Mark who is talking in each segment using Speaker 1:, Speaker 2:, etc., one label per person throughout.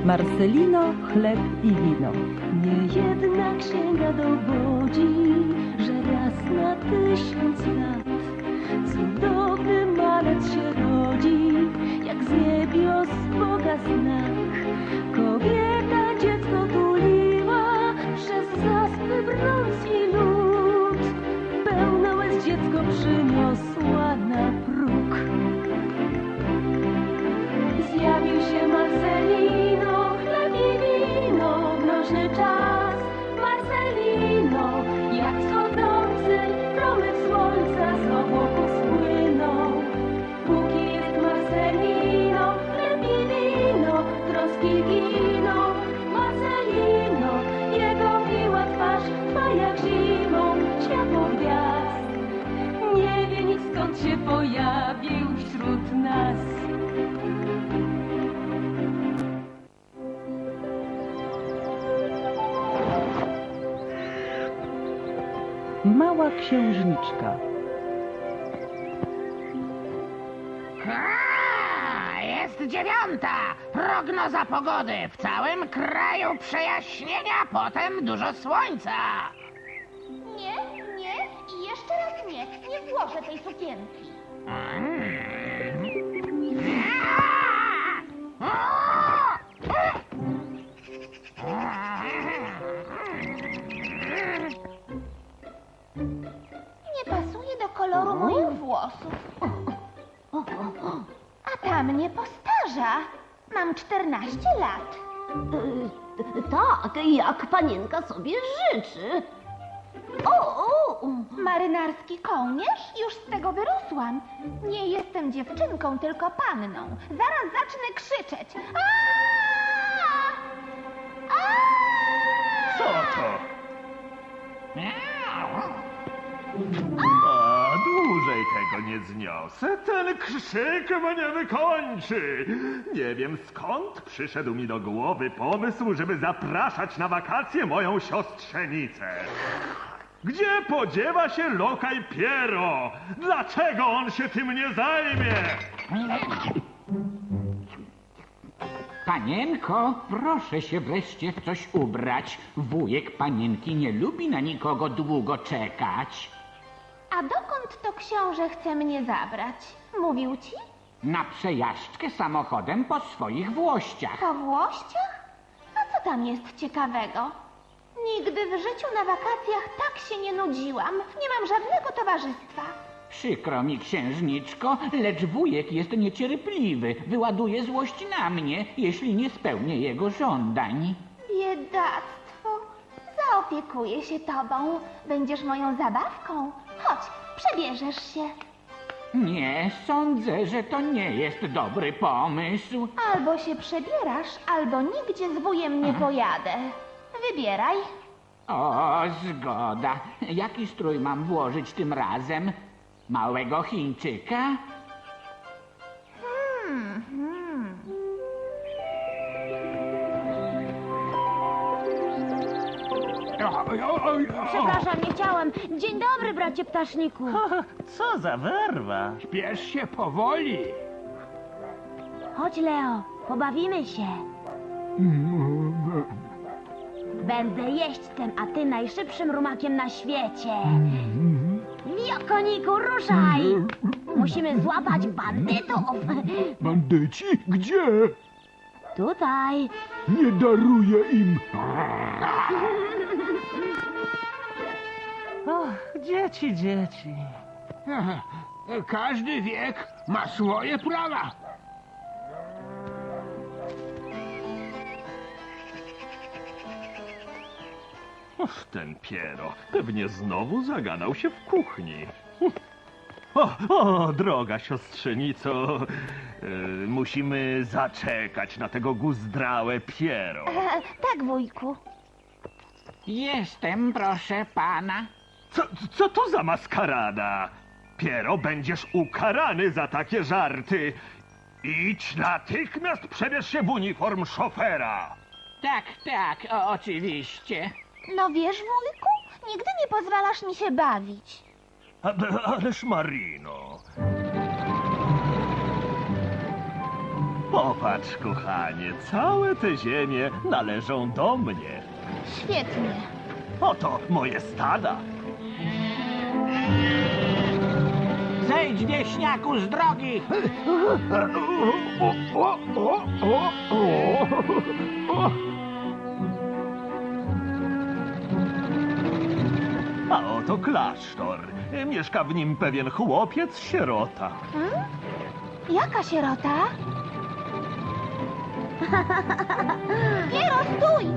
Speaker 1: Marcelino, chleb i wino.
Speaker 2: Niejedna księga dowodzi, że raz na 1000 lat cudowny malec się rodzi, jak z niebios Boga znak. Kobieta dziecko tuliła, przez zaspy brnąc i lód, pełne łez dziecko przyniosła na próg. Zjawił się Marcelino, chleb i wino, mroźny czas. Marcelino, jak wschodzący promyk słońca z obłoków spłynął. Póki jest Marcelino, chleb i wino, troski giną. Marcelino, jego miła twarz trwa jak zimą światło gwiazd. Nie wie nic, skąd się pojawił wśród nas.
Speaker 1: Mała księżniczka.
Speaker 3: Jest 9. Prognoza pogody. W całym kraju przejaśnienia, potem dużo słońca.
Speaker 4: Nie, nie i jeszcze raz nie. Nie włożę tej sukienki. Nie pasuje do koloru moich włosów. A ta mnie postarza. Mam 14 lat.
Speaker 5: Tak, jak panienka sobie życzy.
Speaker 4: Marynarski kołnierz? Już z tego wyrosłam. Nie jestem dziewczynką, tylko panną. Zaraz zacznę krzyczeć. Aaaa! Aaaa!
Speaker 6: Co to? A dłużej tego nie zniosę. Ten krzyk mnie wykończy. Nie wiem, skąd przyszedł mi do głowy pomysł, żeby zapraszać na wakacje moją siostrzenicę. Gdzie podziewa się lokaj Piero? Dlaczego on się tym nie zajmie?
Speaker 7: Panienko, proszę się wreszcie w coś ubrać. Wujek panienki nie lubi na nikogo długo czekać.
Speaker 4: A dokąd to książę chce mnie zabrać? Mówił ci?
Speaker 7: Na przejażdżkę samochodem po swoich włościach.
Speaker 4: Po Włościach? A co tam jest ciekawego? Nigdy w życiu na wakacjach tak się nie nudziłam. Nie mam żadnego towarzystwa.
Speaker 7: Przykro mi, księżniczko, lecz wujek jest niecierpliwy. Wyładuje złość na mnie, jeśli nie spełnię jego żądań.
Speaker 4: Biedactwo. Zaopiekuję się tobą. Będziesz moją zabawką. Chodź, przebierzesz się.
Speaker 7: Nie, sądzę, że to nie jest dobry pomysł.
Speaker 4: Albo się przebierasz, albo nigdzie z wujem nie pojadę. Wybieraj.
Speaker 7: O, zgoda. Jaki strój mam włożyć tym razem? Małego Chińczyka?
Speaker 5: Przepraszam, nie chciałem. Dzień dobry, bracie ptaszniku.
Speaker 8: Co za werwa!
Speaker 9: Śpiesz się powoli.
Speaker 5: Chodź, Leo, pobawimy się. Będę jeźdźcem, a ty najszybszym rumakiem na świecie. Wio, koniku, ruszaj! Musimy złapać bandytów.
Speaker 9: Bandyci? Gdzie?
Speaker 5: Tutaj.
Speaker 9: Nie daruję im.
Speaker 8: Dzieci, dzieci.
Speaker 9: Każdy wiek ma swoje prawa.
Speaker 6: Ten Piero pewnie znowu zagadał się w kuchni. Droga siostrzenico, musimy zaczekać na tego guzdrałe Piero.
Speaker 4: Tak, wujku.
Speaker 7: Jestem, proszę pana.
Speaker 6: Co to za maskarada? Piero, będziesz ukarany za takie żarty. Idź natychmiast, przebierz się w uniform szofera.
Speaker 7: Tak, oczywiście.
Speaker 4: No wiesz, wujku, nigdy nie pozwalasz mi się bawić.
Speaker 6: Ależ Marino. Popatrz, kochanie, całe te ziemie należą do mnie.
Speaker 4: Świetnie.
Speaker 6: Oto moje stada.
Speaker 7: Zejdź, wieśniaku, z drogi!
Speaker 6: A oto klasztor. Mieszka w nim pewien chłopiec-sierota.
Speaker 4: Jaka sierota? Piero, stój!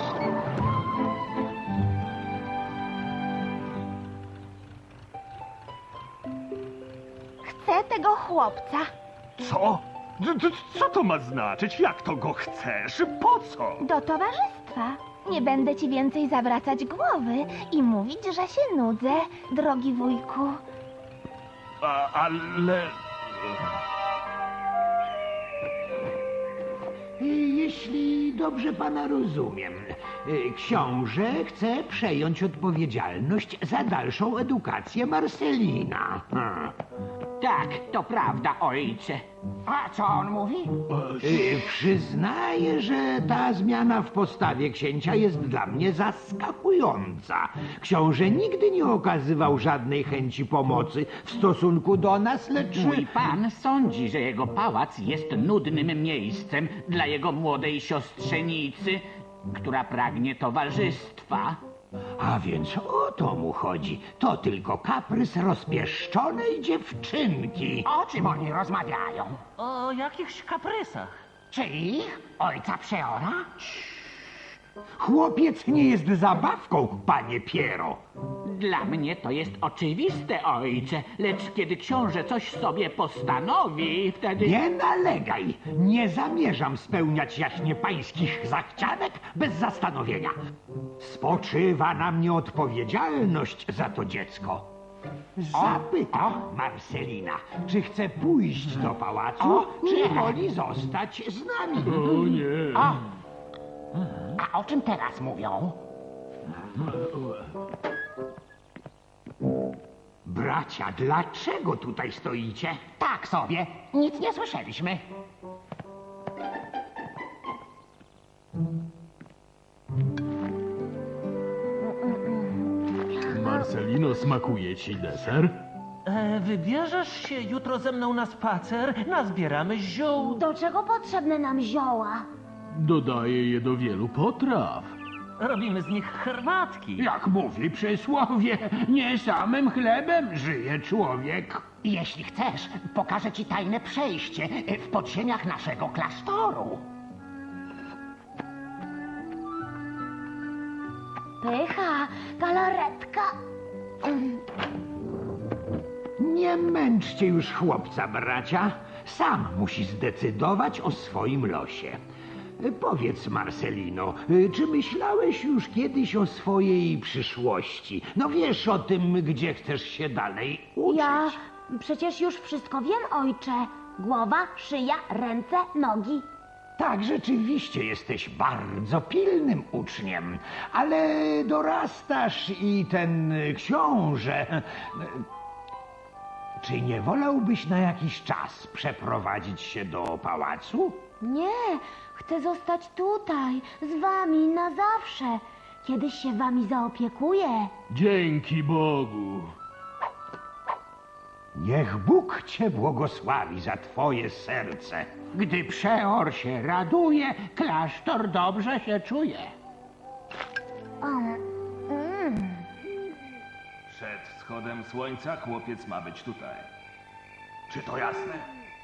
Speaker 4: Chcę tego chłopca.
Speaker 6: Co? Co to ma znaczyć? Jak to go chcesz? Po co?
Speaker 4: Do towarzystwa. Nie będę ci więcej zawracać głowy i mówić, że się nudzę, drogi wujku.
Speaker 6: Ale...
Speaker 10: Jeśli dobrze pana rozumiem, książę chce przejąć odpowiedzialność za dalszą edukację Marcelina.
Speaker 7: Tak, to prawda, ojcze.
Speaker 3: A co on mówi?
Speaker 10: Przyznaję, że ta zmiana w postawie księcia jest dla mnie zaskakująca. Książę nigdy nie okazywał żadnej chęci pomocy w stosunku do nas, lecz...
Speaker 7: Mój pan sądzi, że jego pałac jest nudnym miejscem dla jego młodej siostrzenicy, która pragnie towarzystwa.
Speaker 10: A więc o to mu chodzi. To tylko kaprys rozpieszczonej dziewczynki.
Speaker 3: O czym oni rozmawiają?
Speaker 8: O jakichś kaprysach.
Speaker 3: Czy ich? Ojca Przeora?
Speaker 10: Chłopiec nie jest zabawką, panie Piero.
Speaker 7: Dla mnie to jest oczywiste, ojcze, lecz kiedy książę coś sobie postanowi, wtedy...
Speaker 10: Nie nalegaj. Nie zamierzam spełniać jaśnie pańskich zachcianek bez zastanowienia. Spoczywa na mnie odpowiedzialność za to dziecko. Zapytam Marcelina, czy chce pójść do pałacu, czy woli zostać z nami.
Speaker 3: A o czym teraz mówią?
Speaker 10: Bracia, dlaczego tutaj stoicie?
Speaker 3: Tak sobie, nic nie słyszeliśmy.
Speaker 9: Marcelino, smakuje ci deser?
Speaker 8: Wybierzesz się jutro ze mną na spacer? Nazbieramy ziół.
Speaker 5: Do czego potrzebne nam zioła?
Speaker 9: Dodaję je do wielu potraw.
Speaker 8: Robimy z nich herbatki.
Speaker 9: Jak mówi przysłowie, nie samym chlebem żyje człowiek.
Speaker 3: Jeśli chcesz, pokażę ci tajne przejście w podziemiach naszego klasztoru.
Speaker 5: Pycha, galaretka.
Speaker 10: Nie męczcie już chłopca, bracia. Sam musi zdecydować o swoim losie. Powiedz, Marcelino, czy myślałeś już kiedyś o swojej przyszłości? No wiesz o tym, gdzie chcesz się dalej uczyć.
Speaker 5: Ja przecież już wszystko wiem, ojcze. Głowa, szyja, ręce, nogi.
Speaker 10: Tak, rzeczywiście jesteś bardzo pilnym uczniem, ale dorastasz i ten książę... Czy nie wolałbyś na jakiś czas przeprowadzić się do pałacu?
Speaker 5: Nie, chcę zostać tutaj, z wami na zawsze. Kiedyś się wami zaopiekuję.
Speaker 9: Dzięki Bogu.
Speaker 10: Niech Bóg cię błogosławi za twoje serce.
Speaker 3: Gdy Przeor się raduje, klasztor dobrze się czuje.
Speaker 6: Przed wschodem słońca chłopiec ma być tutaj. Czy to jasne?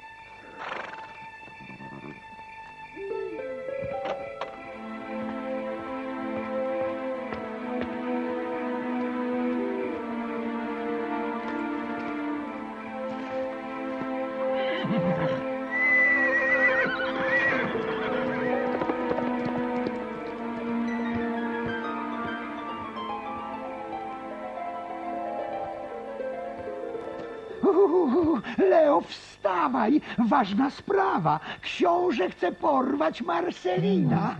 Speaker 10: Leo, wstawaj! Ważna sprawa. Książę chce porwać Marcelina.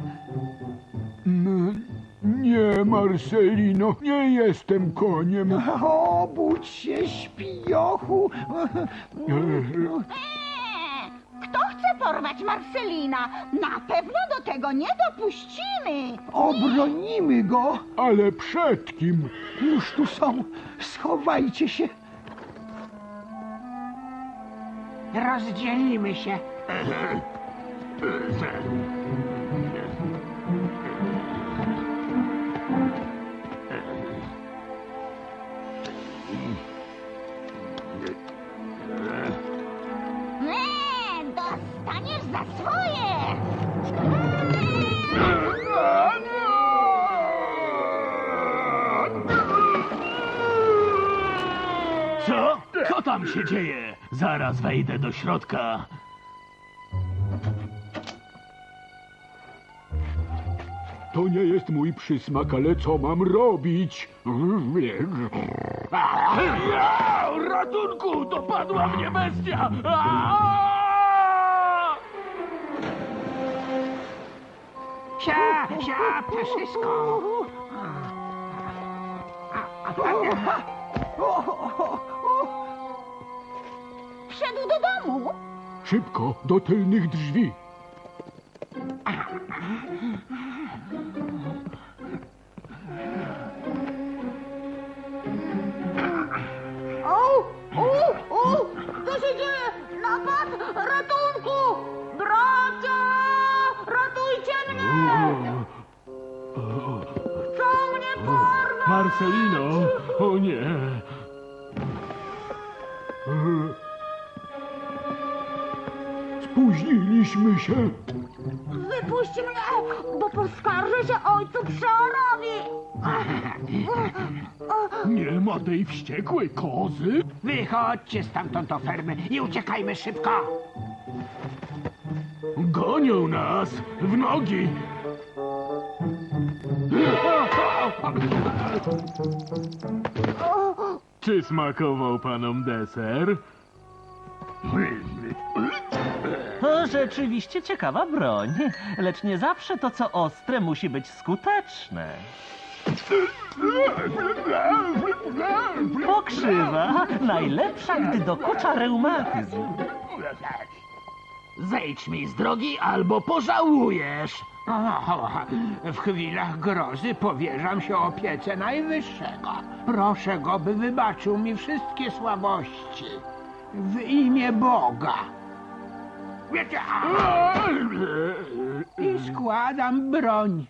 Speaker 9: Nie, Marcelino, nie jestem koniem.
Speaker 10: Obudź się, śpiochu.
Speaker 11: Kto chce porwać Marcelina? Na pewno do tego nie dopuścimy.
Speaker 10: Obronimy go! Ale przed kim? Już tu są. Schowajcie się.
Speaker 3: Rozdzielimy się.
Speaker 11: Nie, dostaniesz za swoje.
Speaker 9: Co? Co tam się dzieje? Zaraz wejdę do środka. To nie jest mój przysmak, ale co mam robić? Ratunku! Dopadła mnie bestia!
Speaker 3: Sia, ptaszysko.
Speaker 11: Wszedł do domu.
Speaker 9: Szybko, do tylnych drzwi.
Speaker 11: Co się dzieje? Napad! Ratunku! Bracia! Ratujcie mnie! Chcą mnie porwać!
Speaker 9: Marcelino! O nie! Spóźniliśmy się.
Speaker 11: Wypuść mnie, bo poskarżę się ojcu Przeorowi!
Speaker 9: Nie ma tej wściekłej kozy?
Speaker 3: Wychodźcie stamtąd do fermy i uciekajmy szybko.
Speaker 9: Gonią nas! W nogi! Czy smakował panom deser?
Speaker 8: To rzeczywiście ciekawa broń, lecz nie zawsze to, co ostre, musi być skuteczne. Pokrzywa, najlepsza, gdy dokucza reumatyzm.
Speaker 9: Zejdź mi z drogi, albo pożałujesz!
Speaker 3: W chwilach grozy powierzam się opiece Najwyższego. Proszę go, by wybaczył mi wszystkie słabości. W imię Boga. I składam broń.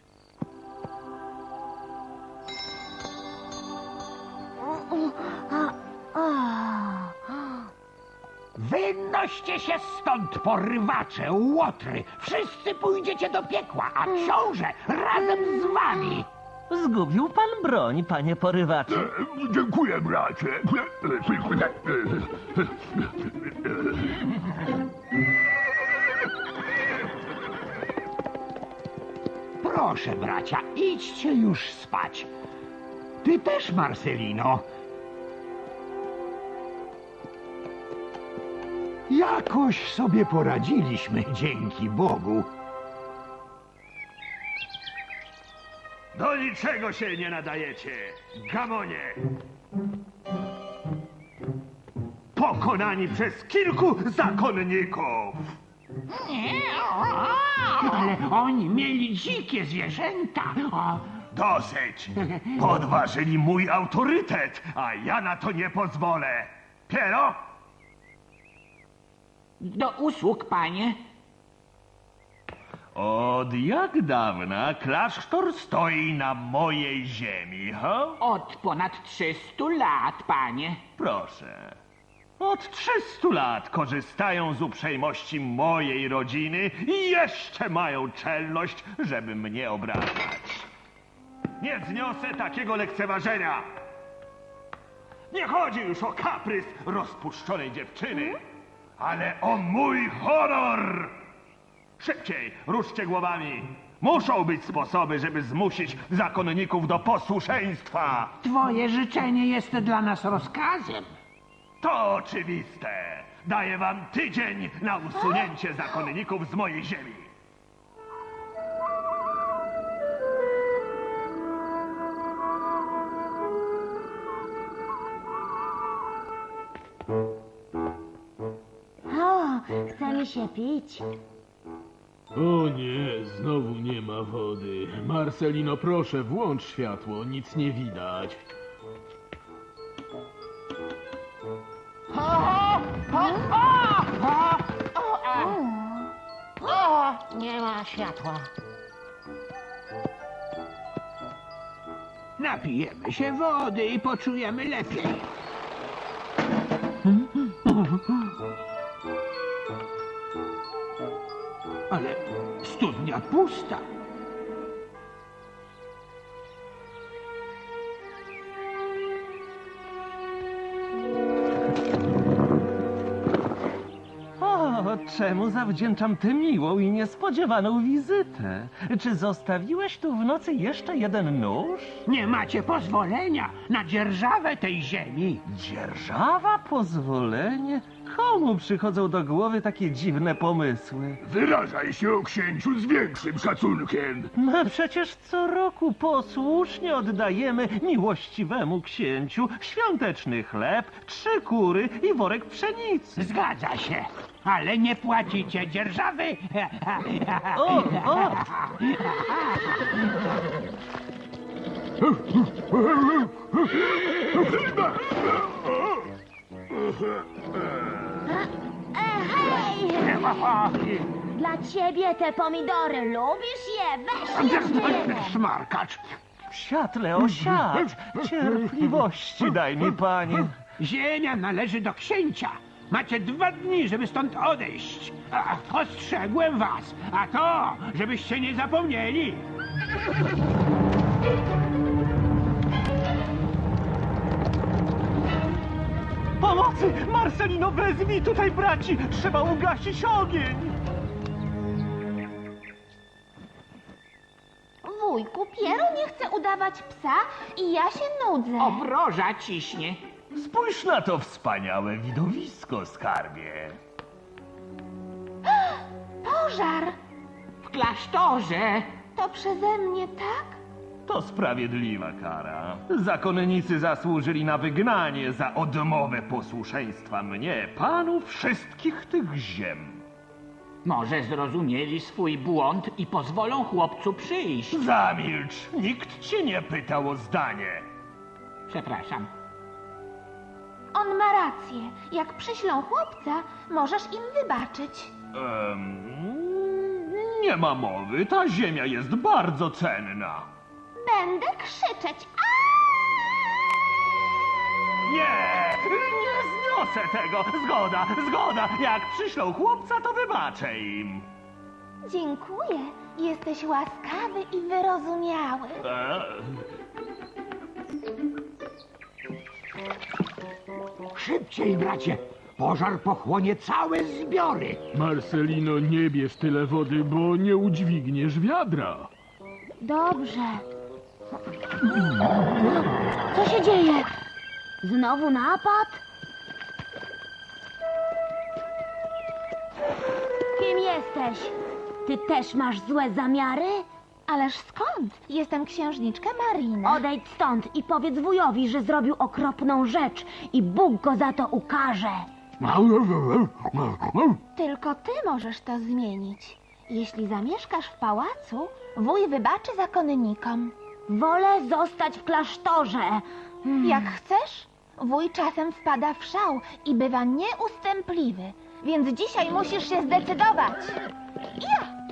Speaker 10: Wynoście się stąd, porywacze, łotry! Wszyscy pójdziecie do piekła, a książę razem z wami!
Speaker 8: Zgubił pan broń, panie porywaczu.
Speaker 9: Dziękuję, bracie.
Speaker 10: Proszę, bracia, idźcie już spać. Ty też, Marcelino. Jakoś sobie poradziliśmy, dzięki Bogu.
Speaker 6: Do niczego się nie nadajecie, gamonie! Pokonani przez kilku zakonników!
Speaker 3: Ale oni mieli dzikie zwierzęta.
Speaker 6: Dosyć! Podważyli mój autorytet, a ja na to nie pozwolę! Piero?
Speaker 7: Do usług, panie.
Speaker 6: Od jak dawna klasztor stoi na mojej ziemi, ha?
Speaker 7: Od ponad 300 lat, panie.
Speaker 6: Proszę. Od 300 lat korzystają z uprzejmości mojej rodziny i jeszcze mają czelność, żeby mnie obrażać. Nie zniosę takiego lekceważenia. Nie chodzi już o kaprys rozpuszczonej dziewczyny, ale o mój honor! Szybciej, ruszcie głowami. Muszą być sposoby, żeby zmusić zakonników do posłuszeństwa.
Speaker 3: Twoje życzenie jest dla nas rozkazem.
Speaker 6: To oczywiste. Daję wam tydzień na usunięcie zakonników z mojej ziemi.
Speaker 5: O, chce mi się pić.
Speaker 12: O nie, znowu nie ma wody. Marcelino, proszę, włącz światło, nic nie widać.
Speaker 3: Nie ma światła. Napijemy się wody i poczujemy lepiej. Ale studnia pusta.
Speaker 8: O, czemu zawdzięczam tę miłą i niespodziewaną wizytę? Czy zostawiłeś tu w nocy jeszcze jeden nóż?
Speaker 3: Nie macie pozwolenia na dzierżawę tej ziemi.
Speaker 8: Dzierżawa? Pozwolenie? Komu przychodzą do głowy takie dziwne pomysły?
Speaker 9: Wyrażaj się o księciu z większym szacunkiem.
Speaker 8: No przecież co roku posłusznie oddajemy miłościwemu księciu świąteczny chleb, 3 kury i worek pszenicy.
Speaker 3: Zgadza się, ale nie płacicie dzierżawy.
Speaker 8: O!
Speaker 5: Hej! Dla ciebie te pomidory, lubisz je? Weź je!
Speaker 3: Smarkacz.
Speaker 8: Siatle, osiadź! Cierpliwości daj mi, panie.
Speaker 3: Ziemia należy do księcia. Macie 2 dni, żeby stąd odejść. Ostrzegłem was, a to, żebyście nie zapomnieli.
Speaker 8: Pomocy! Marcelino, wezmij tutaj braci! Trzeba ugasić ogień!
Speaker 4: Wujku, Piero nie chce udawać psa i ja się nudzę.
Speaker 7: Obroża ciśnie.
Speaker 8: Spójrz na to wspaniałe widowisko, skarbie.
Speaker 4: Pożar!
Speaker 7: W klasztorze.
Speaker 4: To przeze mnie, tak?
Speaker 8: To sprawiedliwa kara. Zakonnicy zasłużyli na wygnanie za odmowę posłuszeństwa mnie, panu wszystkich tych ziem.
Speaker 7: Może zrozumieli swój błąd i pozwolą chłopcu przyjść.
Speaker 8: Zamilcz! Nikt cię nie pytał o zdanie.
Speaker 7: Przepraszam.
Speaker 4: On ma rację. Jak przyślą chłopca, możesz im wybaczyć.
Speaker 8: Nie ma mowy, ta ziemia jest bardzo cenna.
Speaker 4: Będę krzyczeć.
Speaker 8: Nie! Nie zniosę tego! Zgoda! Jak przyślą chłopca, to wybaczę im.
Speaker 4: Dziękuję. Jesteś łaskawy i wyrozumiały.
Speaker 10: Szybciej, bracie! Pożar pochłonie całe zbiory!
Speaker 12: Marcelino, nie bierz tyle wody, bo nie udźwigniesz wiadra.
Speaker 5: Dobrze. Co się dzieje? Znowu napad? Kim jesteś? Ty też masz złe zamiary?
Speaker 4: Ależ skąd? Jestem księżniczka Marina.
Speaker 5: Odejdź stąd i powiedz wujowi, że zrobił okropną rzecz i Bóg go za to ukarze.
Speaker 4: Tylko ty możesz to zmienić. Jeśli zamieszkasz w pałacu, wuj wybaczy zakonnikom.
Speaker 5: Wolę zostać w klasztorze.
Speaker 4: Jak chcesz? Wuj czasem wpada w szał i bywa nieustępliwy, więc dzisiaj musisz się zdecydować. Ja!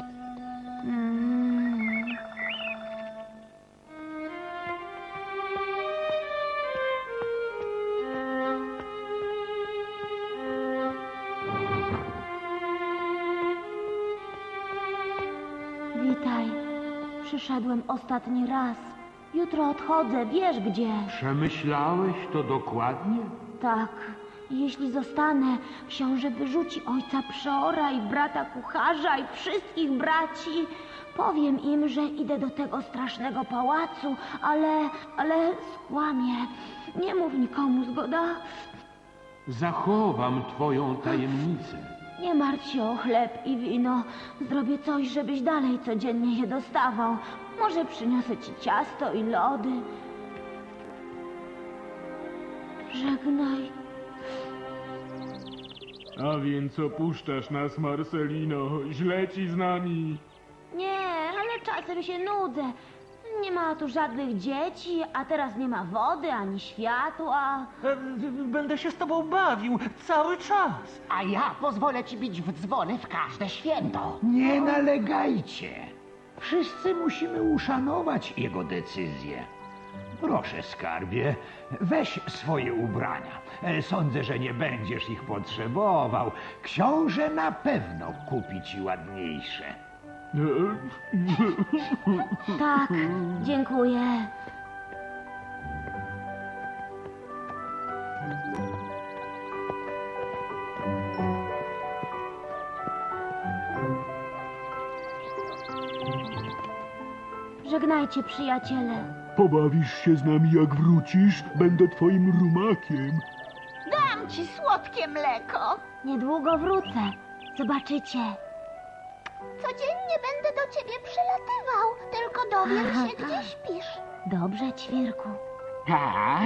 Speaker 5: Witaj. Przyszedłem ostatni raz. Jutro odchodzę, wiesz gdzie.
Speaker 9: Przemyślałeś to dokładnie?
Speaker 5: Tak, jeśli zostanę, książę wyrzuci ojca przeora i brata kucharza i wszystkich braci. Powiem im, że idę do tego strasznego pałacu, ale skłamię. Nie mów nikomu, zgoda?
Speaker 9: Zachowam twoją tajemnicę.
Speaker 5: Nie martw się o chleb i wino. Zrobię coś, żebyś dalej codziennie je dostawał. Może przyniosę ci ciasto i lody. Żegnaj.
Speaker 12: A więc opuszczasz nas, Marcelino. Źle ci z nami.
Speaker 5: Nie, ale czasem się nudzę. Nie ma tu żadnych dzieci, a teraz nie ma wody ani światła.
Speaker 13: Będę się z tobą bawił cały czas.
Speaker 10: A ja pozwolę ci bić w dzwony w każde święto. Nie nalegajcie. Wszyscy musimy uszanować jego decyzję. Proszę, skarbie, weź swoje ubrania. Sądzę, że nie będziesz ich potrzebował. Książę na pewno kupi ci ładniejsze.
Speaker 5: Tak, dziękuję. Żegnajcie, przyjaciele.
Speaker 12: Pobawisz się z nami, jak wrócisz? Będę twoim rumakiem.
Speaker 11: Dam ci słodkie mleko.
Speaker 5: Niedługo wrócę. Zobaczycie.
Speaker 4: Codziennie będę do ciebie przylatywał, tylko dowiem się, gdzie śpisz.
Speaker 5: Dobrze, ćwirku.
Speaker 7: Tak.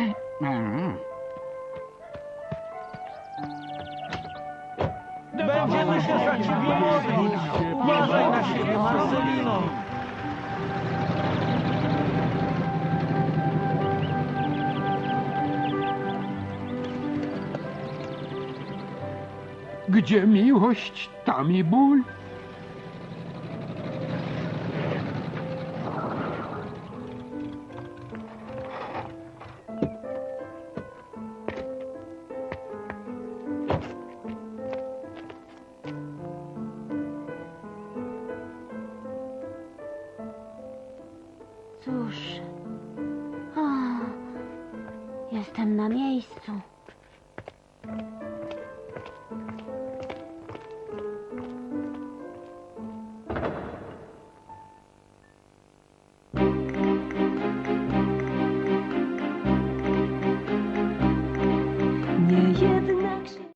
Speaker 13: Będziemy się za ciebie modlić. Uważaj na siebie, Marcelino.
Speaker 3: Gdzie miłość, tam i ból.
Speaker 5: Cóż, jestem na miejscu.